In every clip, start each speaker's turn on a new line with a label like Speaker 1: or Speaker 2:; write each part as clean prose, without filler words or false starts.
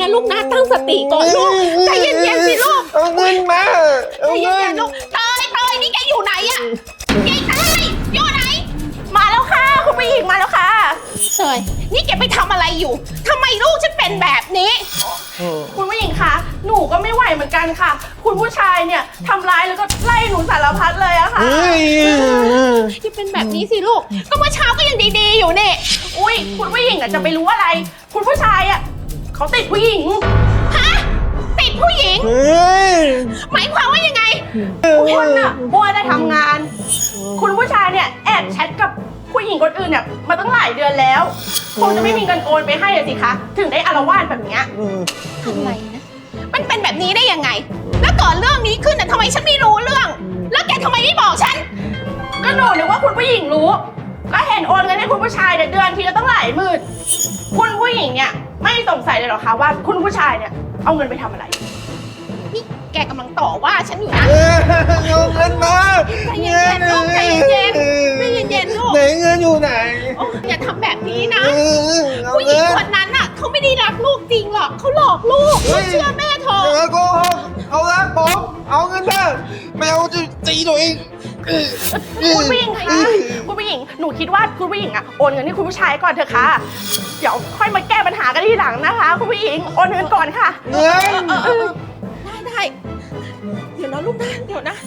Speaker 1: นะลูกนะตั้งสติก่อนลูกใจเย็นๆสิลูก
Speaker 2: เอาเงินมา
Speaker 1: ใจเย็นๆลูกเตยนี่แกอยู่ไหนอะยายเตยอยู่ไหนมาแล้วค่ะคุณผู้หญิงมาแล้วค่ะเตยนี่แกไปทำอะไรอยู่ทำไมลูกฉันเป็นแบบนี้คุณผู้หญิงคะหนูก็ไม่ไหวเหมือนกันค่ะคุณผู้ชายเนี่ยทำร้ายแล้วก็ไล่หนูสารพัดเลยอะค่ะที่เป็นแบบนี้สิลูกก็เมื่อเช้าก็ยังดีๆอยู่เนี่ยอุ้ยคุณผู้หญิงอะจะไปรู้อะไรคุณผู้ชายอะเขาติดผู้หญิงฮะติดผู้หญิงหมายความว่ายังไงคุณอะมัวแต่ทำงานคุณผู้ชายเนี่ยแอบแชทกับผู้หญิงคนอื่นเนี่ยมาตั้งหลายเดือนแล้วคงจะไม่มีเงินโอนไปให้สิคะถึงได้อาละวาดแบบเนี้ยทำไมนะมันเป็นแบบนี้ได้ยังไงแล้วก่อนเรื่องนี้ขึ้นน่ะทำไมฉันไม่รู้เรื่องแล้วแกทำไมไม่บอกฉันก็หนูนึกว่าคุณผู้หญิงรู้ก็เห็นโอนเงินให้คุณผู้ชายเนี่ยเดือนทีละตั้งหลายหมื่นคุณผู้หญิงเนี่ยไม่สงสัยเลยหรอคะว่าคุณผู้ชายเนี่ยเอาเงินไปทำอะไรนี่แกกำลังต่อว่าฉันอยู่นะ
Speaker 2: เอาเงินมา
Speaker 1: ใจเย็นๆลูกใจเย็นๆใจเย็นๆลูก
Speaker 2: ไหนเงินอยู่ไหน
Speaker 1: อย่าทำแบบนี้นะผู้หญิงคนนั้นน่ะเขาไม่ได้รักลูกจริงหรอกเขาหลอกลูกเชื่อแม่เถอะ
Speaker 2: อย่าโกหกเอาละผมเอาเงินมาไม่เอาจะตีตัวเอง
Speaker 1: คุณผู้หญิงคะคุณผู้หญิงหนูคิดว่าคุณผู้หญิงอะโอนเงินให้คุณผู้ชายก่อนเถอะค่ะเดี๋ยวค่อยมาแก้ปัญหากันทีหลังนะคะคุณผู้หญิงโอนเงินก่อนค่ะ
Speaker 2: เงิน
Speaker 1: ได้เดี๋ยวนะลูกนะเดี๋ยวนะ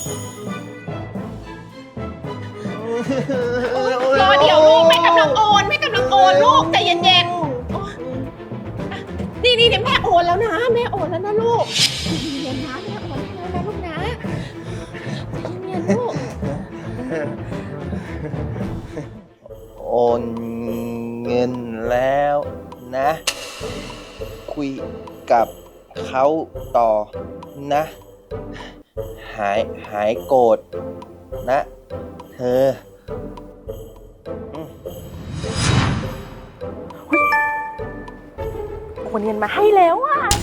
Speaker 1: รอเดี๋ยวลูกแม่กำลังโอนลูกใจเย็นๆนี่เดี๋ยวแม่โอนแล้วนะแม่โอนแล้วนะลูกเย็นๆนะแม่โอนให้แล้วนะลูกนะใจเย็นๆลูก
Speaker 2: โอนเงินแล้วนะคุยกับเขาต่อนะหายโกรธนะเธอ
Speaker 1: โอนเงินมาให้แล้วอ่ะ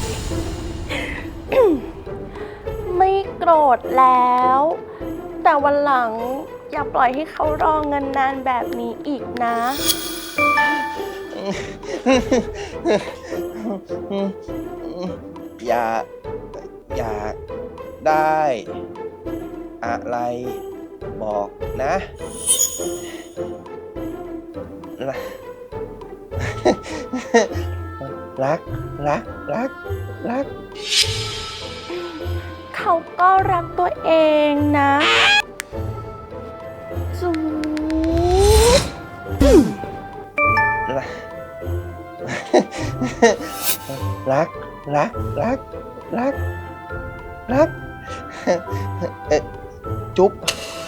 Speaker 1: ไม่โกรธแล้วแต่วันหลังอย่าปล่อยให้เขารอเงินนานแบบนี้อีกนะ
Speaker 2: อยากได้อะไรบอกนะรัก
Speaker 1: เขาก็รักตัวเองนะจู
Speaker 2: รักจุ๊บ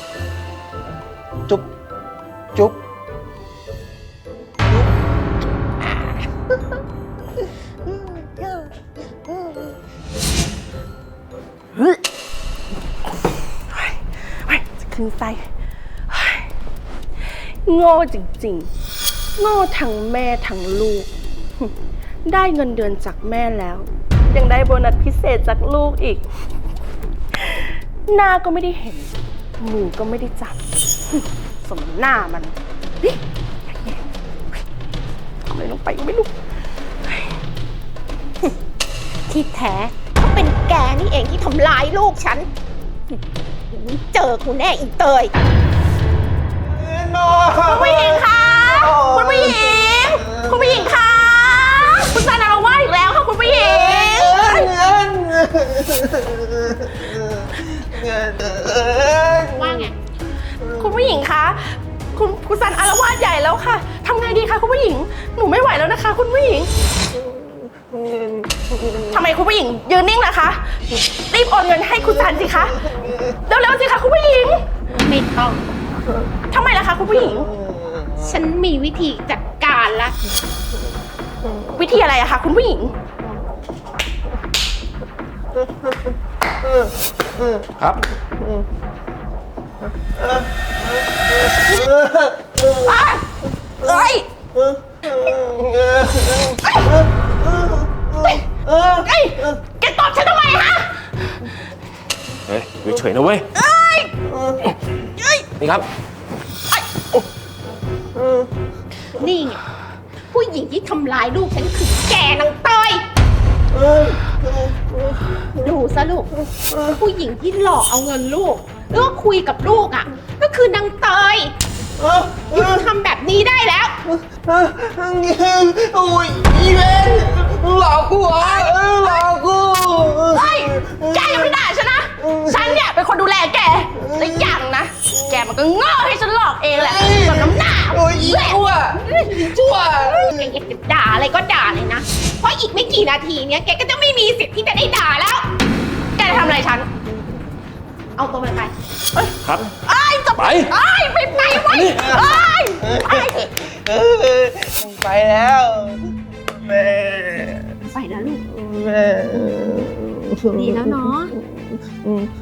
Speaker 1: ขึ้นไส้โง่จริงๆโง่ทั้งแม่ทั้งลูกได้เงินเดือนจากแม่แล้วยังได้โบนัสพิเศษจากลูกอีกหน้าก็ไม่ได้เห็นมือก็ไม่ได้จับสมหน้ามันทำอะไรลงไปก็ไม่รู้ที่แท้ก็เป็นแกนี่เองที่ทำร้ายลูกฉันเจอคุณแน่อีเตยคุณผู้หญิงคะคุณผู้หญิงคะคุณซานาเราว่าอีกแล้วค่ะคุณผู้หญิงว่าไงคุณผู้หญิงคะคุณซันอารวาสใหญ่แล้วค่ะทำไงดีคะคุณผู้หญิงหนูไม่ไหวแล้วนะคะคุณผู้หญิงทำไมคุณผู้หญิงยืนนิ่งล่ะคะรีบโอนเงินให้คุณซันสิคะเร็วๆสิคะคุณผู้หญิงไม่ต้องทำไมล่ะคะคุณผู้หญิงฉันมีวิธีจัดการละวิธีอะไรอะคะคุณผู้หญิง
Speaker 2: ครับ
Speaker 1: เอ้ยแกตอบฉันทำไมฮะ
Speaker 3: เฮ้ยอยู่เฉยนะเว้ยนี่ครับ
Speaker 1: นี่ไงผู้หญิงที่ทำร้ายลูกฉันคือแกนางเตยดูซะลูก ผู้หญิงที่หลอกเอาเงินลูกหรือว่าคุยกับลูกอ่ะ ก็คือนางเตยหยุดทำแบบนี้ได้แล้ว
Speaker 2: โอ้ยอีเวนหลอกกูเหรอหลอกกู
Speaker 1: เฮ้ย แกอย่าไปด่าฉันนะ ฉันเนี่ยเป็นคนดูแลแก และอย่างนะ แกมันก็โง่ให้ฉันหลอกเองแหละกับน้ำหน้า
Speaker 2: โอ้ยอีชั่วอีชั่ว
Speaker 1: แกอยากจะด่าอะไรก็ด่าเลยนะ เพราะอีกไม่กี่นาทีเนี้ยแกก็จะไม่มีสิทธิ์ที่จะได้ด่าแล้ว แกจะทำอะไรฉัน เอาตัวมันไป
Speaker 3: ครับ
Speaker 1: ไอ้จะ
Speaker 3: ไป
Speaker 1: ไอ้ไปไว้ไอ้
Speaker 2: ไปแล้วแม่
Speaker 1: ไปนะลูก
Speaker 2: แม่
Speaker 1: ดีแล้วเนาะ